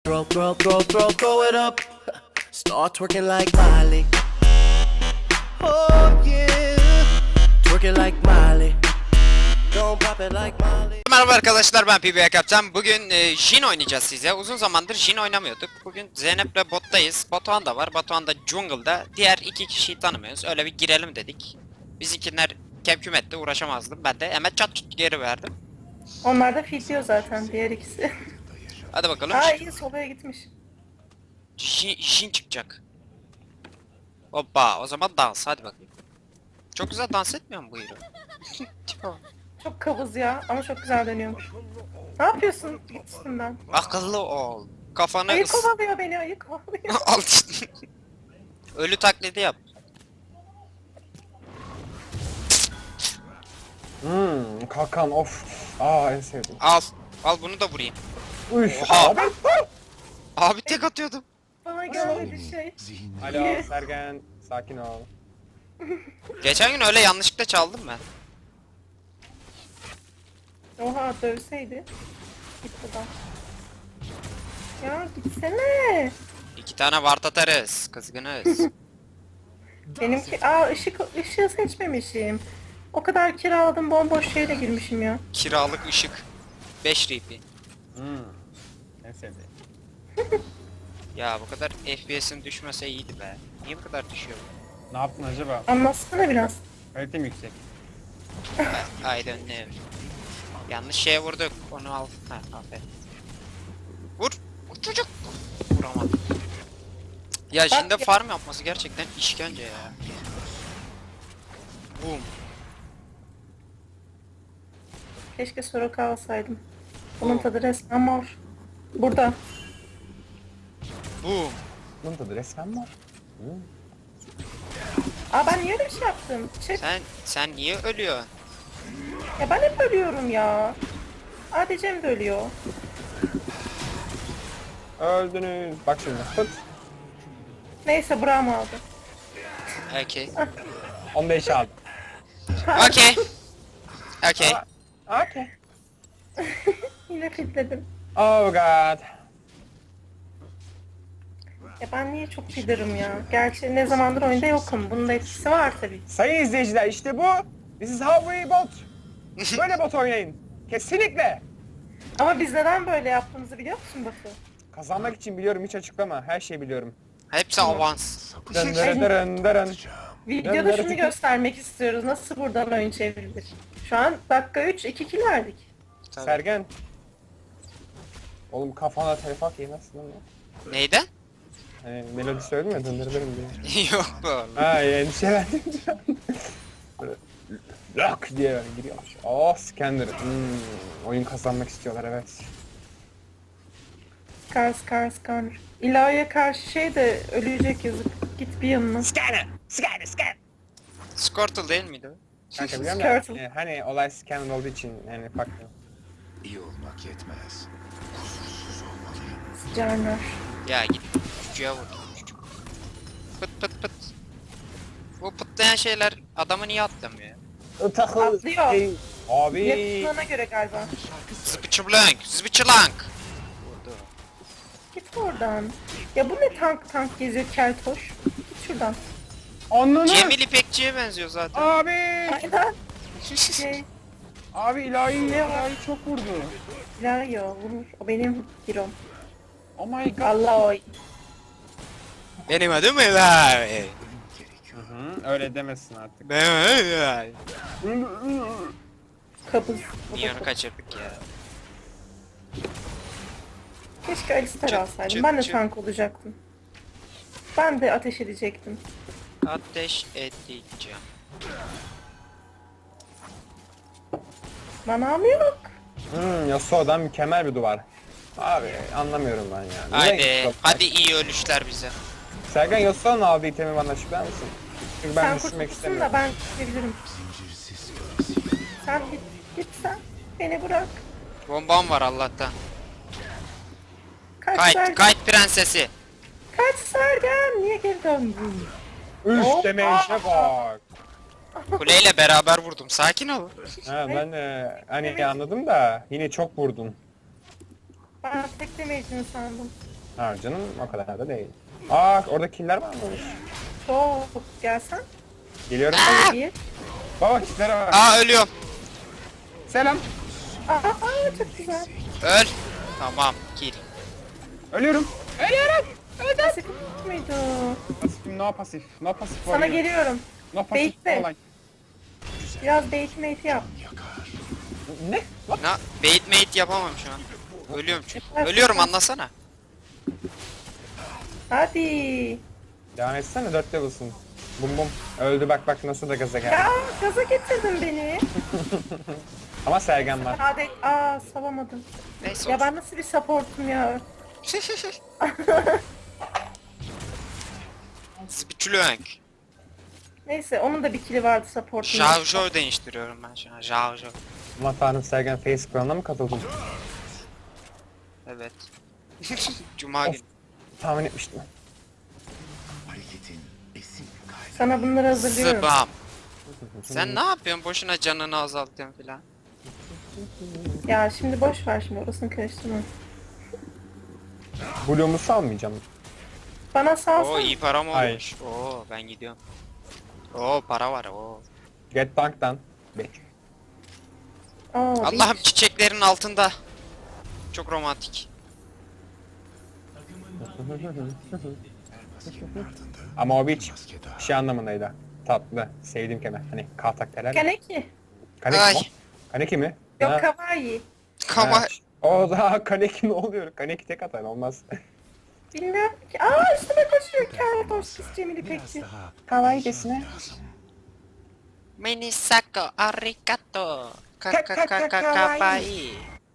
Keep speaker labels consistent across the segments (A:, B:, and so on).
A: Throw it up. Start twerking like Miley. Oh yeah. Twerking like Miley. Don't pop it like Miley.
B: Merhaba arkadaşlar, ben PBA Kaptan. Bugün Jhin oynayacağız size. Uzun zamandır Jhin oynamıyorduk. Bugün Zeynep'le bottayız. Batuhan da var. Batuhan da jungle'da. Diğer iki kişiyi tanımıyoruz. Öyle bir girelim dedik. Bizimkiler kemküm etti, uğraşamazdım. Ben de hemen çat çut geri verdim.
C: Onlar da fitiyor zaten diğer ikisi.
B: Hadi bakalım.
C: Aa iyi solaya gitmiş.
B: Jhin çıkacak. Hoppa, o zaman dans, hadi bakayım. Çok güzel dans etmiyor mu bu hero? Tipe bak.
C: Çok kabız ya ama çok güzel dönüyormuş. Ne yapıyorsun? Git üstümden.
B: Akıllı ol. Kafanı
C: Ayı kovalıyor beni, ayı kovalıyor.
B: Al işte. Ölü taklidi yap.
D: Kalkan of. Aa en sevdiğim.
B: Al. Al bunu da vurayım.
D: Üf.
B: Oha.
D: Abi.
B: Abi tek atıyordum.
C: Bana gelmedi şey.
D: Alo Sergen. Sakin ol.
B: Geçen gün öyle yanlışlıkla çaldım ben.
C: Oha dövseydi. Git buradan. Ya gitsene.
B: 2 tane vart atarız. Kızgınız.
C: Benimki ışığı seçmemişim. O kadar kiraladım, bomboş şeyle girmişim ya.
B: Kiralık ışık. 5 RP.
D: En sevdiğim.
B: Ya bu kadar FPS'in düşmese iyiydi be. Niye bu kadar düşüyor?
D: Ne yaptın acaba?
C: Anlatsana biraz.
D: Kalitem yüksek.
B: I don't know. Yanlış şeye vurduk. Onu al. Ha, aferin. Vur. Vur çocuk. Vuramadım. Ya şimdi farm yapması gerçekten işkence ya. Boom.
C: Keşke Soraka alsaydım. Bunun tadı resmen mor. Burada.
B: Boom.
D: Bunun tadı resmen var.
C: Aa ben niye öyle bir şey yaptım?
B: Sen niye ölüyorsun?
C: Ya ben hep ölüyorum ya. Cem de ölüyor.
D: Öldünüz. Bak şimdi. Fıt.
C: Neyse Braum aldı.
B: Okay.
D: 15 aldım.
B: Okay. Okay.
D: Okay.
C: Yine fitledim.
D: Oh god.
C: Ya ben niye çok fiderim ya? Gerçi ne zamandır oyunda yokum. Bunun da etkisi var tabii.
D: Sayın izleyiciler işte bu. This is how we bot. Böyle bot oynayın. Kesinlikle.
C: Ama biz neden böyle yaptığımızı biliyor musun Batu?
D: Kazanmak için biliyorum, hiç açıklama. Her şeyi biliyorum.
B: Hepsi avans.
D: Dın dırın dırın dırın.
C: Videoda şunu göstermek istiyoruz. Nasıl buradan oyun çevrilir? Şu an dakika 3, 2 kill verdik.
B: Tabii.
D: Sergen. Oğlum kafana telefak yemezsin lan.
B: Neyden?
D: Hani melodi söyledim ya dındırırım diye.
B: Yok bu oğlum.
D: Ha endişelendim şu an. Böyle lak diye böyle giriyormuş. Oh Scanner. Oyun kazanmak istiyorlar evet.
C: Skar. İlahiye karşı şey de ölecek yazık. Git bir yanına.
D: Scanner!
B: Squirtle değil miydi o?
D: Kanka biliyorum
C: Skirtle.
D: da hani olay Scanner olduğu için yani farklı.
E: İyi olmak yetmez.
C: Canlar.
B: Ya git çocuğa vur. Çocuk. Pıt pıt pıt. Bu pıtlayan şeyler adamı niye atlamıyor?
C: Atlıyor.
D: Abi.
C: Yapısına göre galiba.
B: Zıbıçıblank, zıbıçılank. Vurdu.
C: Git oradan. Ya bu ne tank geziyor keltoş. Git şuradan.
D: Ananı.
B: Cemil İpekçi'ye benziyor zaten.
D: Abi.
C: Aynen. Şey,
D: Abi ilahi çok vurdu.
C: ilahi o vurur. O benim hero'm.
D: Oh my god.
C: Allah oy.
B: Benim adım Elay.
D: Öyle demesin artık.
B: Ben Elay.
C: Kabız.
B: Niye onu kaçırdık ya?
C: Keşke Alistar
B: Çıt,
C: alsaydım.
B: çıt,
C: Ben de
B: çıt.
C: tank olacaktım. Ben de ateş edecektim.
B: Ateş edeceğim.
C: Manam yok.
D: Yasuo'dan mükemmel bir duvar. Abi anlamıyorum ben ya.
B: Haydi, hadi iyi ölüşler bize.
D: Sergen Yasuo'nun aldığı itemi bana açıklar mısın? Çünkü ben
C: Sen
D: düşünmek
C: kurtulsun
D: istemiyorum.
C: da ben gidebilirim. Sen git sen. Beni bırak.
B: Bombam var Allah'tan.
C: Kaç
B: Kayıt,
C: Sergen.
B: kayıt prensesi.
C: Kaç Sergen. Niye geri döndün?
D: Üf
C: Hoppa.
D: demeyişe bak.
B: Kuleyle beraber vurdum. Sakin ol.
D: Ha ben de hani anladım da yine çok vurdun.
C: Ben tek demeyeceğini sandım.
D: Ha canım o kadar da değil. Aa orada killer var mı?
C: Çok. Gelsen.
D: Geliyorum.
C: Bir.
D: Baba killere var.
B: Aa ölüyorum.
D: Selam.
C: Aa, çok güzel.
B: Öl. Tamam kill.
D: Ölüyorum. Ölüyorum.
C: Nasip muydu?
D: Pasifim no pasif. No pasif
C: Sana
D: warrior.
C: geliyorum.
D: No pasif
C: Bekle.
D: olay.
C: Biraz bait mate yap.
D: Ne? Lan.
B: Na bait mate yapamam şu an. Ölüyorum çünkü. Ölüyorum anlasana.
C: Hadi.
D: Devam etsene 4 level'sın. Bum bum. Öldü bak nasıl da gaza geldi.
C: Ya gaza getirdin beni.
D: Ama Sergen var.
C: Hadi. Salamadım.
B: Neyse
C: Ya
B: olsun.
C: ben nasıl bir supportum ya.
B: Spitülönk.
C: Neyse onun da bir kili vardı supportum.
B: Jarjör değiştiriyorum ben şu an. Jarjör.
D: Aman tanrım Sergen Face Crown'a mı katıldın?
B: Evet. Cuma
D: Of.
B: günü.
D: Tahmin etmiştim.
E: Hareketin esin kaynağı.
C: Sana bunları hazırlıyorum.
B: Spam. Sen ne yapıyorsun? Boşuna canını azaltıyorsun filan.
C: Ya şimdi boş ver şimdi orasını karıştırma.
D: Blue'umu salmayacağım.
C: Bana
B: Oo
C: salsana.
B: iyi para mı
D: Hayır.
B: olmuş? Oo ben gidiyorum. Oo para var oo.
D: Get Dunk'tan. Bek.
B: Allah'ım çiçeklerin altında. Çok romantik.
D: Ama o bir
E: Maske daha.
D: şey anlamındaydı. Tatlı. Sevdiğim kelime. Hani kaltak derler.
C: Kaneki.
D: Kaneki
B: Ay.
D: mi? Kaneki mi?
C: Yok
D: Ha,
C: kawaii.
B: Kama
D: ha. O da kaneki ne oluyor? Kaneki tek atan olmaz.
C: Bilmiyorum ki. Üstüme koşuyor. Keltoş Cemil
E: Biraz
C: İpekçi.
E: daha
D: Kawaii desine.
B: Minisako arigato.
C: Kawaii.
B: Kawaii.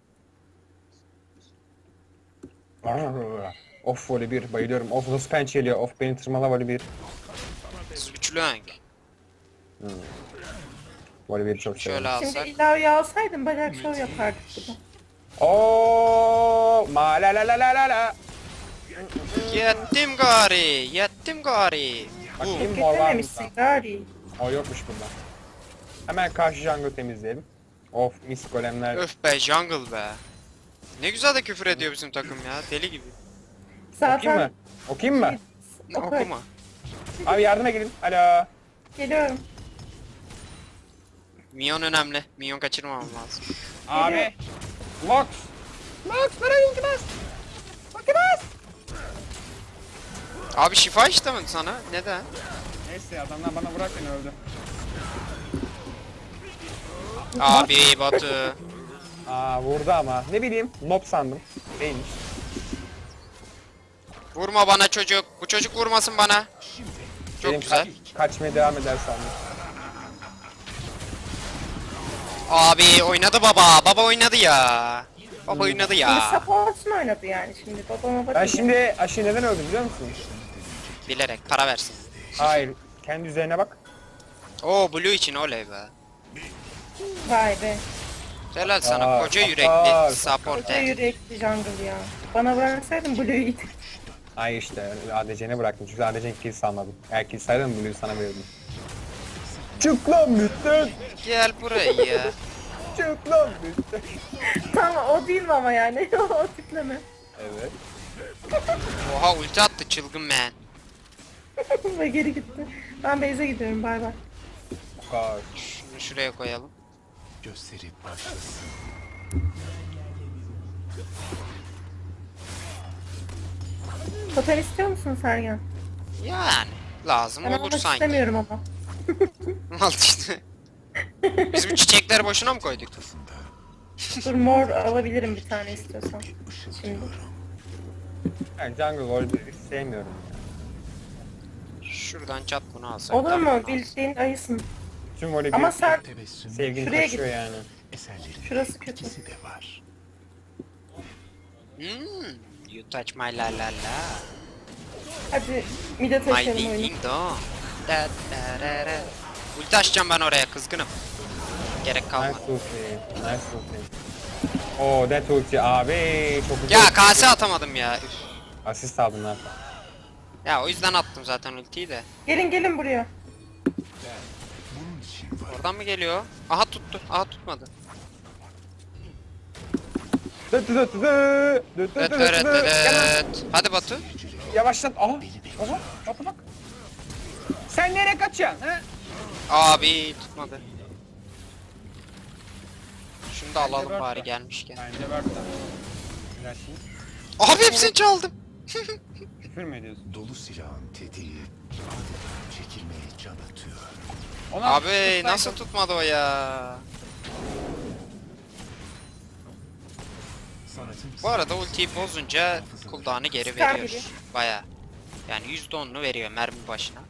D: Of voli bir bayılıyorum. Of nasıl pençeliyor. Of beni tırmala voli bir.
B: Spitülönk.
D: Voli bir çok
B: Şöyle
D: seviyorum.
C: Şimdi
B: alsak.
C: ilaveyi alsaydım bacak şov yapardık burada.
D: Oo, ma la la la la la la.
B: Yettim gari. Yettim gari. Bu.
D: Bakayım mor var mı?
C: Getirmemişsin gari.
D: O yokmuş bunda. Hemen karşı jungle temizleyelim. Of mis golemler.
B: Öf be jungle be. Ne güzel de küfür ediyor bizim takım ya. Deli gibi.
D: Okuyayım mı?
C: Zaten
D: Okuyayım mı?
C: Oku.
B: Okuma.
D: Abi yardıma gelin. Alo.
C: Geliyorum.
B: Minyon önemli. Minyon kaçırmamam lazım.
D: Abi. Lox. Lox bana ilgimez. Bakınız.
B: Abi şifa işte mi sana? Neden?
D: Neyse adamlar bana bırak beni öldü.
B: Abi Batu.
D: Vurdu ama. Ne bileyim. Mob sandım. Değilmiş.
B: Vurma bana çocuk. Bu çocuk vurmasın bana. Çok
D: Benim
B: güzel.
D: kaçmaya devam eder sandım.
B: Abi oynadı baba. Baba oynadı ya. Baba oynadı
C: Şimdi
B: ya.
C: support'un oynadı yani şimdi babama
D: Ben
C: bakın.
D: şimdi aşı neden öldüm biliyor musun?
B: Bilerek para versin.
D: Hayır. Kendi üzerine bak.
B: Oo Blue için oley be.
C: Vay be.
B: Helal sana
D: Aa,
B: koca
D: aa,
B: yürekli
C: Koca
B: supporter.
C: yürekli jungle ya. Bana bıraksaydın Blue'ydi.
D: Ay işte ADC'ne bıraktım çünkü ADC'nin kill salmadım. Eğer kill saydım Blue'yu sana verirdim. Çık lan lütfen.
B: Gel buraya.
D: Çık lan lütfen.
C: Tamam o değil mi ama yani o tipleme.
D: Evet.
B: Oha ulti attı çılgın man.
C: Ve geri gitti. Ben base'e gidiyorum bay bay.
D: Kaç.
B: Şunu şuraya koyalım.
E: Gösteri başlasın.
C: Totem istiyor musun Sergen?
B: Yani lazım
C: Ben
B: olur
C: almak
B: sanki.
C: istemiyorum ama.
B: Al işte. Biz bu çiçekleri boşuna mı koyduk?
C: Dur mor alabilirim bir tane istiyorsan. Şimdi.
D: Ben jungle Warrior'ı sevmiyorum ya.
B: Şuradan çat bunu alsak.
C: Olur
B: tamam,
C: mu?
B: alsak.
C: Bildiğin ayısın.
D: Tüm Warrior
C: Ama sen
E: Tebessüm
D: sevgini
C: Şuraya
D: taşıyor yani.
E: eserlerin
C: Şurası kötü.
E: etkisi de var.
B: You touch my la la la.
C: Hadi mide
B: My
C: taşıyalım
B: ding
C: oyunu.
B: ding dong. Da da da da. Ulti açacağım ben oraya kızgınım. Gerek
D: Nice
B: kalmadı.
D: ulti. Nice ulti. Oo that ulti abi çok güzel.
B: Ya kase atamadım ya. Üf.
D: Asist aldın lan.
B: Ya o yüzden attım zaten ultiyi de.
C: Gelin buraya.
E: Bunun için var.
B: Oradan mı geliyor? Aha tuttu. Aha tutmadı. Hadi Batu.
D: Yavaşlat. Aha. Aha. Batu bak. Sen nereye kaçıyorsun ha?
B: Abi tutmadı. Şunu da alalım
D: Bence
B: bari
D: Berk'te.
B: gelmişken.
D: Bence Berk'ten. Flash'ın.
B: Abi hepsini çaldım.
D: Küfür mü ediyorsun?
E: Dolu silahın tetiği adeta çekilmeye can atıyor.
D: Ona
B: Abi
D: tutsaydın.
B: nasıl tutmadı o ya?
E: Sanatın
B: Bu arada ultiyi bozunca cooldown'ı geri
C: Çıkar
B: veriyor.
C: gibi.
B: Baya. Yani %10'unu veriyor mermi başına.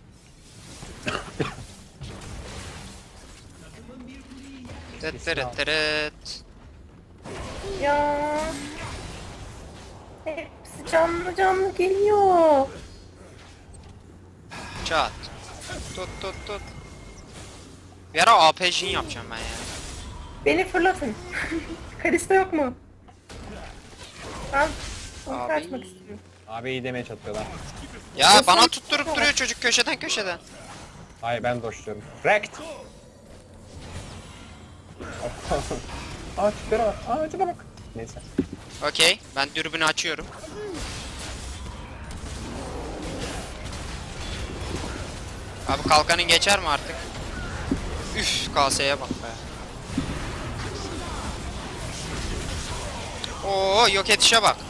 B: Tıt tırıt tırıt.
C: Ya. Hepsi canlı canlı geliyor.
B: Çat. Tut tut tut. Bir ara APJ'in yapacağım ben ya.
C: Beni fırlatın. Kalista yok mu? Ben onu
B: Abi.
C: kaçmak istiyorum.
D: Abi iyi demeye çatıyorlar.
B: Ya
C: Ya
B: bana
C: sen-
B: tutturup duruyor çocuk köşeden köşeden.
D: Hayır ben doşluyorum. Wrecked. Aa tiplere bak. Aa tipe bak. Neyse.
B: Okey, ben dürbünü açıyorum. Abi kalkanın geçer mi artık? Üf, kaseye bak be. Oo, yok etişe bak.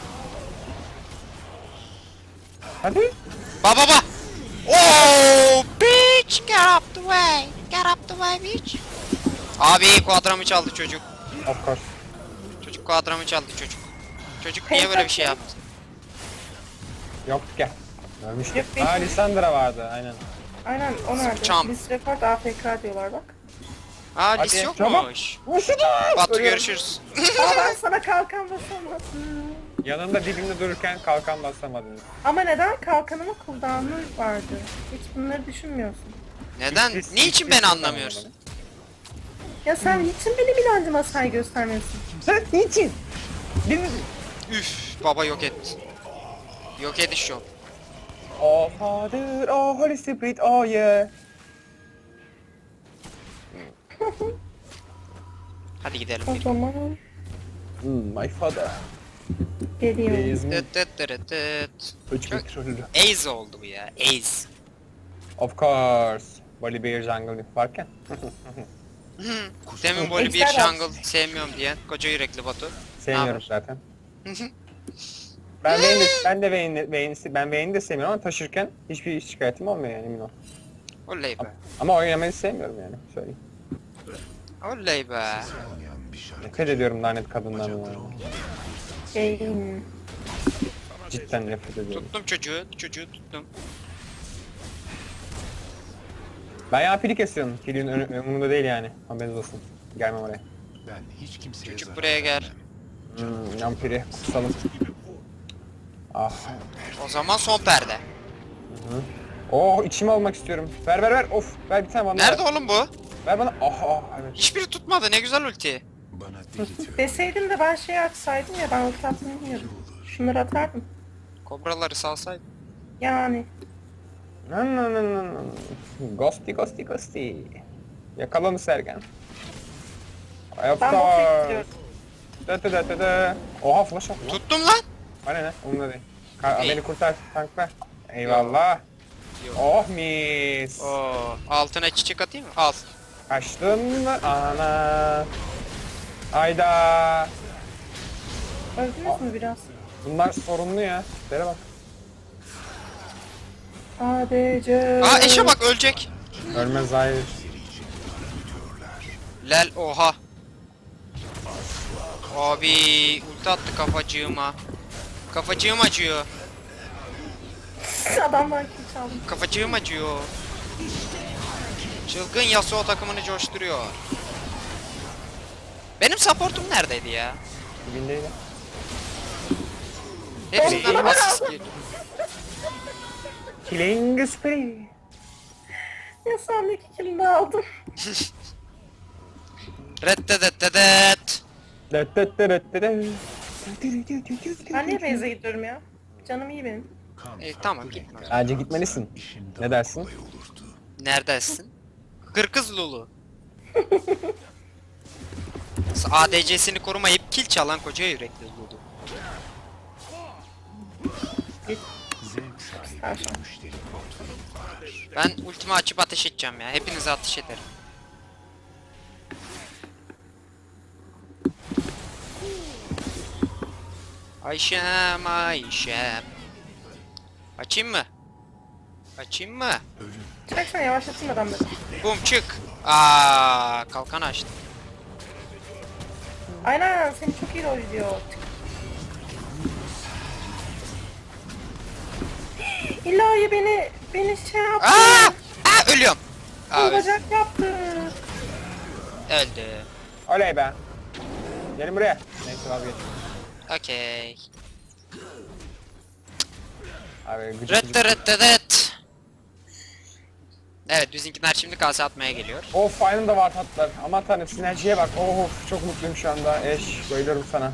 D: Hadi.
B: Baba baba. Oo, bitch, get up the way. Get up the way, bitch. Abi kuadramı çaldı çocuk.
D: Of course.
B: Çocuk kuadramı çaldı çocuk. Çocuk niye böyle bir şey yaptı?
D: Yok gel. Ölmüştü.
C: Yok,
D: Aa
C: benim-
D: Lissandra vardı aynen.
C: Aynen o nerede?
B: Çam.
C: Biz rekord AFK diyorlar bak.
B: Aa,
D: Hadi,
B: lis
D: çabuk.
B: yokmuş.
D: Vurşudu.
B: Batu görüşürüz.
C: Ama ben sana kalkan basamadım.
D: Yanımda dibimde dururken kalkan basamadınız.
C: Ama neden kalkanımın cooldown'u vardı? Hiç bunları düşünmüyorsun.
B: Neden?
D: Hiç-
B: Niçin
D: hiç-
B: beni
D: hiç
B: anlamıyorsun?
D: anlamadım.
C: Ya sen niçin benim inancıma saygı göstermiyorsun?
D: Sen niçin? Biriniz...
B: Üf, baba yok etti. Yok ediş şov.
D: Oh Father, oh Holy Spirit, oh yeah.
B: Hadi gidelim.
C: O zaman
D: My father.
C: geliyorum.
D: Is me.
B: Tıt tıt tırıt tıt.
D: Üç
B: Çok-
D: petrolü.
B: Ace oldu bu ya. Ace.
D: Of course. Voli Bear Jungle varken.
B: Demin böyle bir
C: Ejder
B: jungle sevmiyorum diyen koca yürekli Batu.
D: Sevmiyorum
B: Naber?
D: zaten. Ben Vayne'i de sevmiyorum ama taşırken hiçbir şikayetim olmuyor yani emin ol.
B: Oley be.
D: Ama oynamayı sevmiyorum yani söyleyeyim.
B: Oley be.
E: olmayan bir şarkı.
D: Nefret ediyorum lanet kadından
E: Bacakları
D: ya.
E: olmayan
C: Şeyim.
D: Cidden nefret ediyorum.
B: Tuttum çocuğu. Çocuğu tuttum.
D: Ben ya pili kesiyorum. Pilin önümde değil yani. Haberiniz olsun. Gelmem oraya.
E: ben hiç kimseye
B: Çocuk
E: zarar
B: buraya gel.
E: vermem.
D: Yan pili kusalım. Ah.
B: O zaman son perde.
D: Oh içime almak istiyorum. Ver. Of ver bir tane bana.
B: Nerede
D: ver.
B: oğlum bu?
D: Ver bana. Ah evet.
B: Hiçbiri tutmadı. Ne güzel ulti.
E: Bana deli tüyo
C: Deseydim de ben şey açsaydım ya ben ulti atmayı bilmiyordum. Şunları atardım.
B: Kobraları salsaydı.
C: Yani.
D: Ghosty. Yakala onu Sergen. Of
C: Ben botu
D: course.
C: ittiriyorum.
D: Oha flash at lan.
B: Tuttum lan.
D: Bana ne? Onunla değil.
B: İyi.
D: Beni kurtar tankla. Eyvallah.
B: Yok.
D: Oh mis.
B: Oo, altına çiçek atayım mı? Al.
D: Kaçtın mı? Ana. Ayda.
C: Öldünüz mü biraz?
D: Bunlar sorunlu ya. Dere bak.
C: ADC.
B: Aa eşe bak ölecek.
D: Ölmez hayır.
B: Lel oha. Abi ulti attı kafacığıma. Kafacığım acıyor.
C: Adamlar kim çaldı?
B: Kafacığım acıyor. Çılgın Yasuo takımını coşturuyor. Benim supportum neredeydi ya?
D: Dibindeydi.
B: Hepsinden asist geliyor.
D: Killing spree.
C: Ya sen de 2 killini aldım.
B: Reddedededet.
C: Ben niye base'e gidiyorum ya? Canım iyi benim.
E: kan
B: Tamam gitme.
D: Bence gitmelisin.
E: işin
D: Ne dersin?
E: kolay olurdu.
B: Neredesin? Kırkız Lulu. ADC'sini korumayıp kill çalan koca yürekli oldu.
E: Zevk sahibi
C: Karşı.
E: müşteri portföyüm var.
B: Ben ultimi açıp ateş edeceğim ya. Hepinize ateş ederim. Ayşem Ayşem. Açayım mı? Açayım mı?
C: Çeksene yavaşlatın adamları.
B: Bum çık. Aa, kalkan açtım.
C: Aynen seni çok iyi rol ediyor. İlahi beni şey yaptı.
B: Aa! Aa, ölüyorum. Abi
C: Bacak yaptı.
B: öldü.
D: Oley be. Gelin buraya. Neyse vazgeç.
B: Okey.
D: Abi gıcık
B: Rıt
D: gıcık.
B: rıt rıt. Evet bizimkiler şimdi kase atmaya geliyor.
D: Of aynı da var tatlar. Aman tanrım sinerjiye bak. Of çok mutluyum şu anda. Eş bayılıyorum sana.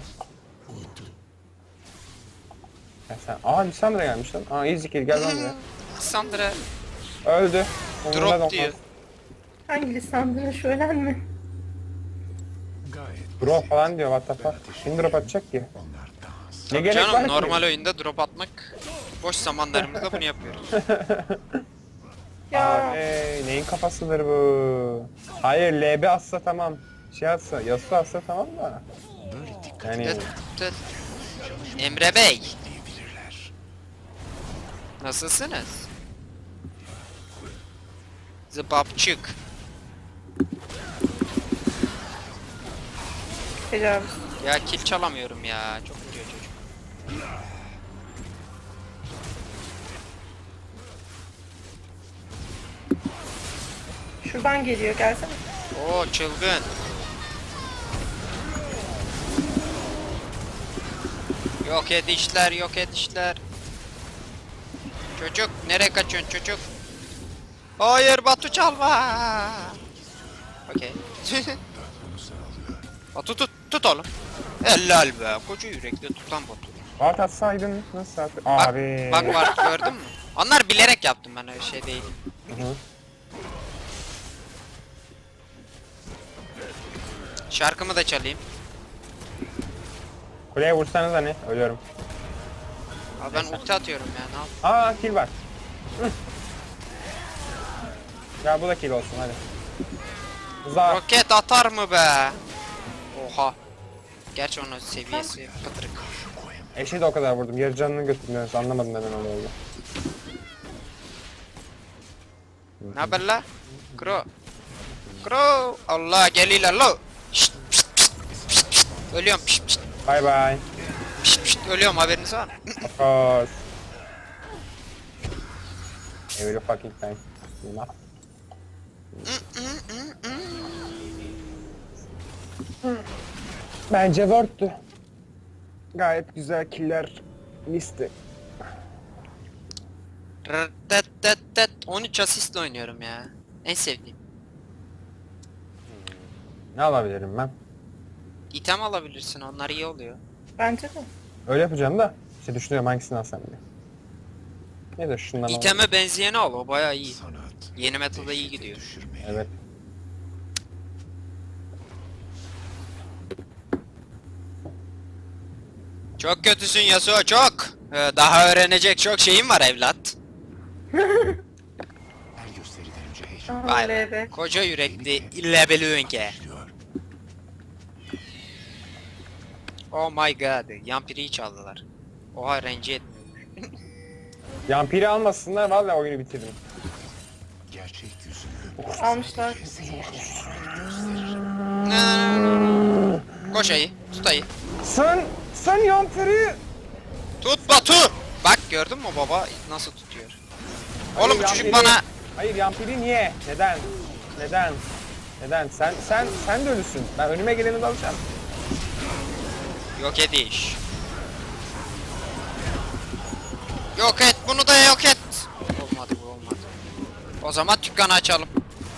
D: Ya sen... Aa Lissandra gelmiş lan. Aa easy kill gel lan buraya.
B: Sandra
D: Öldü. Umurumda da
B: drop
D: olmaz.
B: diyor.
C: Hangi Lisandra şölen mi?
E: Gayet
D: Drop falan diyor what the fuck. Kim drop atacak ki?
E: onlar dans.
D: Ne gerek var
B: Canım
D: ki?
B: normal oyunda drop atmak boş zamanlarımızda bunu yapıyoruz.
C: Ya
D: Abi neyin kafasıdır bu? Hayır LB atsa tamam. Şey atsa, Yasuo atsa tamam da.
E: Böyle dikkat
D: Yani
B: Tıt tıt. Emre Bey
E: diyebilirler.
B: nasılsınız? Zıbapçık.
C: tecavüz.
B: Ya kill çalamıyorum ya. Çok vuruyor çocuk.
C: Şuradan geliyor gelsene.
B: Oo çılgın. Yok edişler, yok edişler. Çocuk, nereye kaçıyorsun çocuk? Hayır Batu çalma. Okey. Batu tut oğlum. Helal be, koca yürekli tutan Batu.
D: Ward atsaydın nasıl at?
B: Bak,
D: Abi.
B: bak var gördün mü? Onlar bilerek yaptım ben öyle şey değil.
D: Hı hı.
B: Şarkımı da çalayım.
D: Kuleye vursanız hani ölüyorum.
B: Abi ben ulti atıyorum ya ne yap?
D: Aa kill var. Hı. Ya bu da kill olsun hadi. Za.
B: Roket atar mı be? Oha. Gerçi onun seviyesi pıtırık.
D: Eşe de o kadar vurdum. Yarı canını götürdünüz. Anlamadım neden öyle oldu.
B: Ne haber la? Kro. Kro. Allah geliyorlar lo. Şşt, pşt, pşt, pşt, pşt. Ölüyorum pşt, pşt,
D: Bye bye.
B: pşt, pşt. Ölüyorum haberiniz var mı?
D: Of course. Every fucking time. Bilmem. Bence worth'tü. Gayet güzel killer listi.
B: Rrrtet 13 asistle oynuyorum ya. En sevdiğim.
D: Ne alabilirim ben?
B: İtem alabilirsin onlar iyi oluyor.
C: Bence de.
D: Öyle yapacağım da. İşte düşünüyorum hangisini alsam diye. Ne de şundan alayım.
B: İteme benzeyeni al o baya iyi.
E: Sanat.
B: Yeni metalda iyi
E: dehşete
B: gidiyor.
E: düşürmeli.
D: Evet.
B: Çok kötüsün Yasuo çok. Daha öğrenecek çok şeyim var evlat.
E: Her gösteriden önce heyecan
C: Aha
B: Vay be.
C: LB.
B: Koca yürekli lebelüğünke.
E: başlıyor.
B: Oh my god. Yampiri'yi çaldılar. Oha rencide etmiyor.
D: Yampiri almasınlar vallahi oyunu bitirdim.
E: Gerçek yüzünü
C: Almışlar.
B: Koş ayı. Tut ayı.
D: Sen yampiri!
B: Tut Batu. Bak gördün mü baba nasıl tutuyor. Oğlum
D: Hayır,
B: bu çocuk
D: yampiri-
B: bana
D: Hayır yampiri niye? Neden? Neden? Neden? Sen de ölüsün. Ben önüme geleni de alacağım.
B: yok ediş. Yok et bunu da yok et. Olmadı bu olmadı. O zaman dükkanı açalım.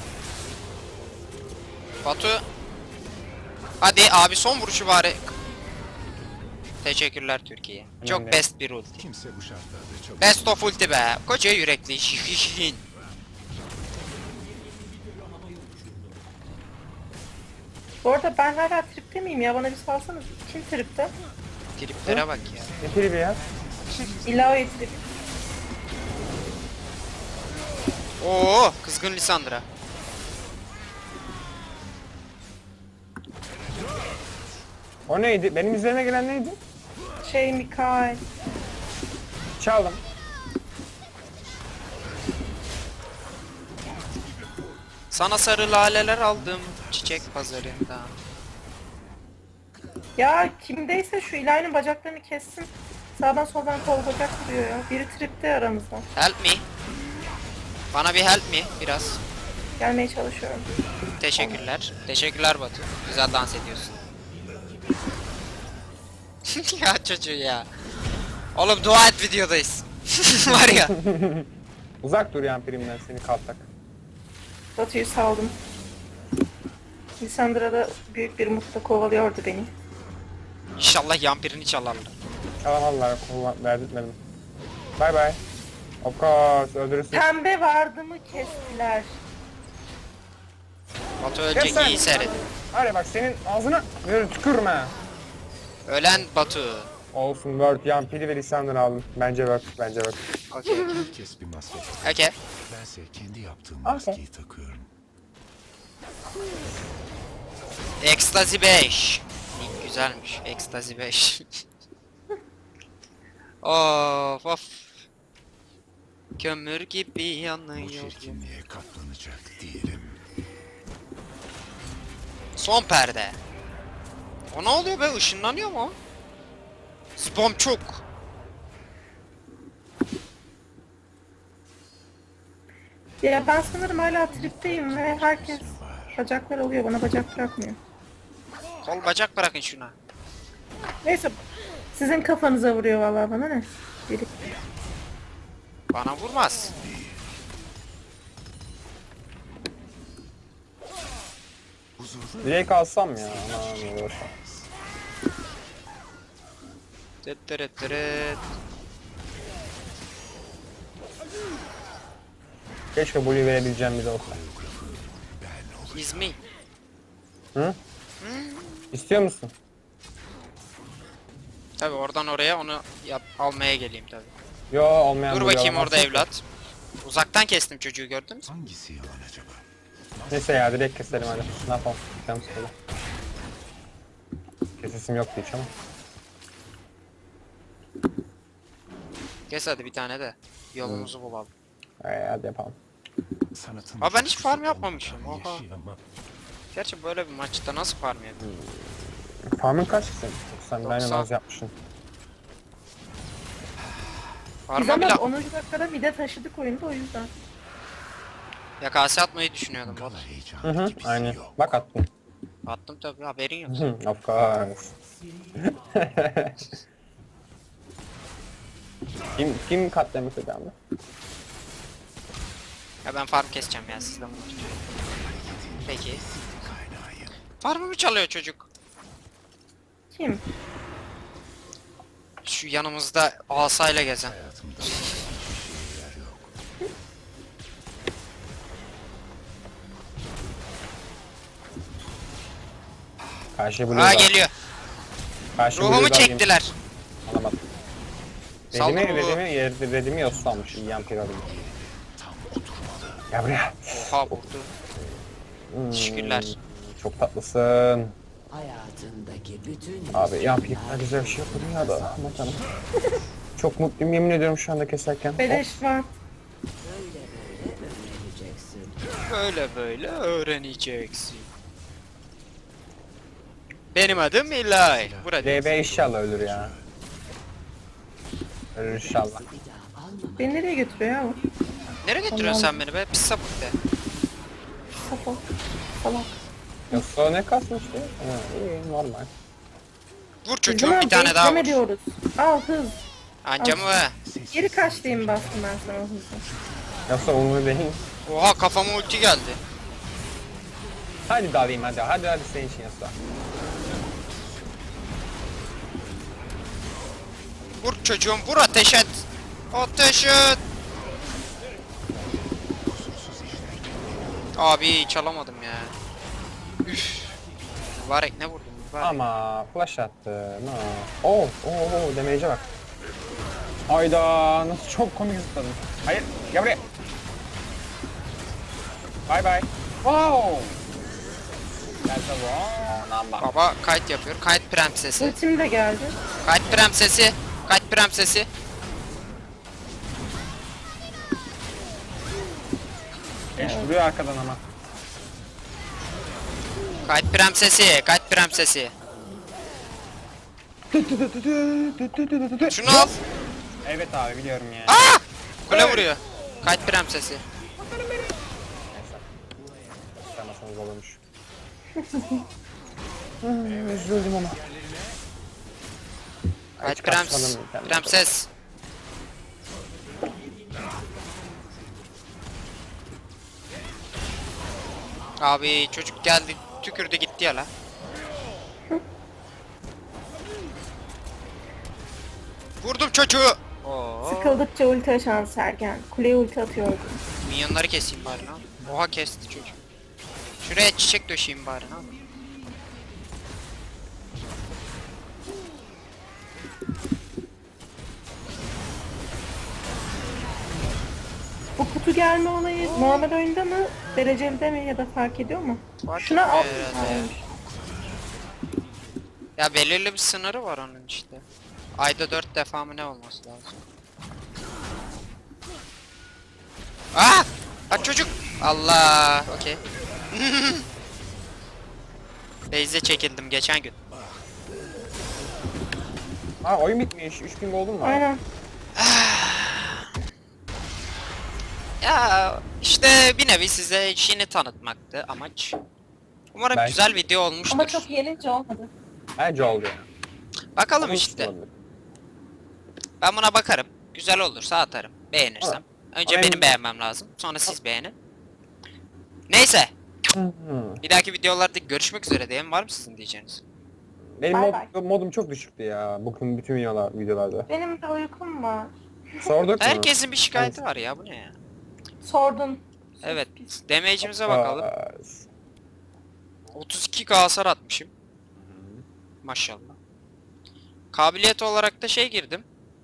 B: Batu. Hadi abi son vuruşu bari. Teşekkürler Türkiye. Çok
D: Önemli.
B: best bir ulti.
E: kimse bu şartlarda çok
B: Best of ulti be. Koca yürekli şihin.
C: Bu Bu arada ben hala tripte miyim ya? Bana bir salsanız. Kim tripte?
B: Triplere bak ya.
D: Ne tribi ya?
C: İlahi trip.
B: Oo, kızgın Lisandra.
D: O neydi? Benim üzerime gelen neydi?
C: Mikael.
D: Çaldım.
B: Sana sarı laleler aldım çiçek pazarında.
C: Ya kimdeyse şu İlahi'nin bacaklarını kessin. Sağdan soldan kol bacak vuruyor ya. Biri tripte aramızda.
B: Help me. Bana bir help me biraz.
C: Gelmeye çalışıyorum.
B: Teşekkürler. Teşekkürler Batu. Güzel dans ediyorsun. Ya çocuğu ya. Oğlum dua et videodayız. Var ya.
D: Uzak dur yan primden seni kaltak.
C: Batu'yu saldım. Lisandra da büyük bir mutlu kovalıyordu beni.
B: İnşallah yampirini çalarlar.
D: Çalamadılar, verdirtmedim. Bye bye. Of course, öldürürsün.
C: Pembe vardı mı kestiler.
B: Batu ölecek,
D: sen-
B: iyi seyret.
D: Hadi bak senin ağzına böyle tükürme.
B: Ölen Batu.
D: Olsun, Word, Yampiri ve Lisandra aldım. Bence work, bence work.
B: Okey.
E: Herkes bir maske takıyor.
B: Okey.
E: Bense kendi yaptığım
D: Okey.
E: maskeyi takıyorum.
B: Ecstasy 5. Nick güzelmiş. Ecstasy 5. Of of. Kömür gibi
E: Bu
B: yanıyor.
E: çirkinliğe katlanacak değilim.
B: Son perde. O ne oluyor be? Işınlanıyor mu? Spam çok.
C: Ya ben sanırım hala tripteyim ve herkes bacaklar alıyor. Bana bacak bırakmıyor.
B: Kol bacak bırakın şuna.
C: Neyse. Sizin kafanıza vuruyor vallahi, bana ne? Biri.
B: Bana vurmaz.
E: Huzurlu
D: Direkt alsam ya. Aman boş ver.
B: Tıttırıttırıt.
D: Keşke Blue verebileceğim bir de olsa.
B: Is me.
D: Hı? İstiyor musun?
B: Tabi oradan oraya onu almaya geleyim tabi.
D: Yo, olmayan
B: Dur
D: Blue
B: bakayım orada
D: alamazsın.
B: evlat. Uzaktan kestim çocuğu, gördün mü?
E: hangisi yalan acaba?
D: Neyse ya, direkt keselim hadi. Ne yapalım? Canım sıkıldı. Kesesim yoktu hiç ama.
B: Kes hadi bir tane de. Yolumuzu bulalım.
D: Hadi yapalım.
E: Sanatın
B: Aa, ben hiç
E: coşkusu
B: farm yapmamışım,
E: olmadan
B: oha.
E: yaşayamam.
B: Gerçi böyle bir maçta nasıl farm yapayım?
D: Farmın kaç senin? Sen
B: 90.
D: Dynamaz yapmışsın.
C: Biz
B: Farm'a
C: ama
B: bile
C: 10. dakikada mide taşıdık oyunda, o yüzden.
B: ya kase atmayı düşünüyordum. Bot.
E: Gala
D: Hı
E: heyecanı
D: hı,
E: gibisi
D: aynen.
E: yok.
D: Bak attım.
B: Attım tabi, haberin yok.
D: Hı, of course. kim katlamış hocamda?
B: Ya ben farm keseceğim ya, sizden bunu tutuyorum. Peki. Farmımı çalıyor çocuk.
C: Kim?
B: Şu yanımızda asayla gezen.
E: Hayatımda hiçbir şeyler yok.
D: Karşı Blue'yu
B: Aa
D: da-
B: geliyor.
D: Karşı
B: Ruhumu
D: Blue'yu da alayım.
B: çektiler.
D: Alamadım.
B: Saldım ruhu.
D: Redimi yoslanmış. Yampir alayım. Ya buraya.
B: Oha vurdu. Teşekkürler.
D: Çok tatlısın.
F: Hayatındaki bütün
D: Abi Yampir ne güzel bir şey yapıyor ya da. Aman tanrım. Çok mutluyum, yemin ediyorum şu anda keserken.
C: Beleş var.
F: öğreneceksin.
B: Böyle böyle öğreneceksin. Benim adım İlay. Burada.
D: DB inşallah ölür ya. Ölür inşallah.
F: Bir daha almamak
C: Beni nereye götürüyor ya o?
B: Nereye götürüyorsun sen beni be? Pis sapık de.
C: Safo. Salak.
D: Yoksa ne kasmıştı? Ha, iyi normal.
B: Vur
C: Biz
B: çocuğum
C: buna
B: bir tane daha
C: bekleme
B: vur.
C: diyoruz. Al hız.
B: Anca mı?
C: Geri kaç diyeyim bastım ben sana o hızı.
D: Yoksa umur değil.
B: Oha kafama ulti geldi.
D: Hadi dalayım hadi. Hadi senin için yoksa.
B: Vur çocuğum vur, ateş et. Ateş et. Abi çalamadım ya. Üf. Mübarek ne vurdun mübarek.
D: Ama flash attı. No. Oo, damage'e bak. Hayda, nasıl çok komik zıpladım. Hayır, gel buraya. Bye bye. Wow. That's a wrong number.
B: Baba kayıt yapıyor. Kayıt prensesi.
C: Ultim de geldi.
B: Kayıt prensesi. Kayıt prensesi.
D: Eş vuruyor arkadan ama.
B: Kayıt prensesi. Kayıt prensesi. Şunu al.
D: Evet abi biliyorum ya.
B: Aa! Kule vuruyor. Kayıt prensesi.
D: Çıkarmasanız olurmuş. Üzüldüm ama.
B: Kayıt
D: Hiç kaçmadım
B: prens.
D: kendime.
B: Prenses. Abi çocuk geldi tükürdü gitti ya la. Vurdum çocuğu. Oo.
C: Sıkıldıkça ulti açan Sergen. Kuleye ulti atıyordu.
B: Minyonları keseyim bari lan. Oha kesti çocuk. Şuraya çiçek döşeyim bari lan.
C: Bu kutu gelme olayı normal oyunda mı? Dereceli mi ya da fark ediyor mu?
B: Fark
C: Şuna
B: etmiyor
C: al.
B: herhalde ya. Ya belirli bir sınırı var onun işte. Ayda 4 defa mı ne olması lazım? Ah! Bak çocuk! Allah! Okey. Base'e çekildim geçen gün.
D: Aa oyun bitmiş. 3000 gold'um mu var?
C: Aynen.
B: Ya işte bir nevi size işini tanıtmaktı amaç. Umarım
D: Ben-
B: güzel video olmuştur.
C: Ama çok yenince olmadı.
D: Bence oldu ya.
B: Bakalım işte. Ben buna bakarım. Güzel olursa atarım. Beğenirsem. Önce
D: Ama
B: benim
D: en-
B: beğenmem lazım. Sonra siz beğenin. Neyse. Bir dahaki videolarda görüşmek üzere diyelim. Var mı sizin diyeceğiniz?
D: Benim
C: Bay bay.
D: modum çok düşüktü ya. Bugün bütün videolarda.
C: Benim de uykum var.
D: Sorduk mu?
B: Herkesin bir şikayeti var ya. Bu ne ya?
C: Sordun.
B: Evet. Damage'imize bakalım. 32k hasar atmışım. Maşallah. Kabiliyet olarak da şey girdim.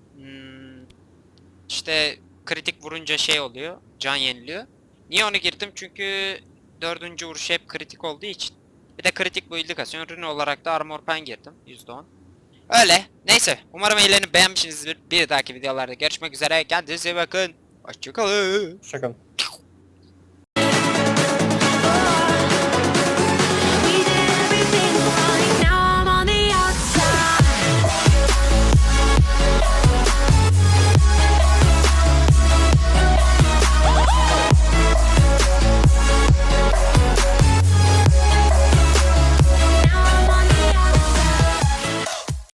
B: İşte kritik vurunca şey oluyor. Can yeniliyor. Niye onu girdim? Çünkü 4. vuruş hep kritik olduğu için. Bir de kritik build'i kasıyor. Rune olarak da Armor Pen girdim. %10. Öyle. Neyse. Umarım eğlenip beğenmişsinizdir. Bir dahaki videolarda görüşmek üzere. Kendinize iyi bakın. Hoşçakalın.
D: Şaka.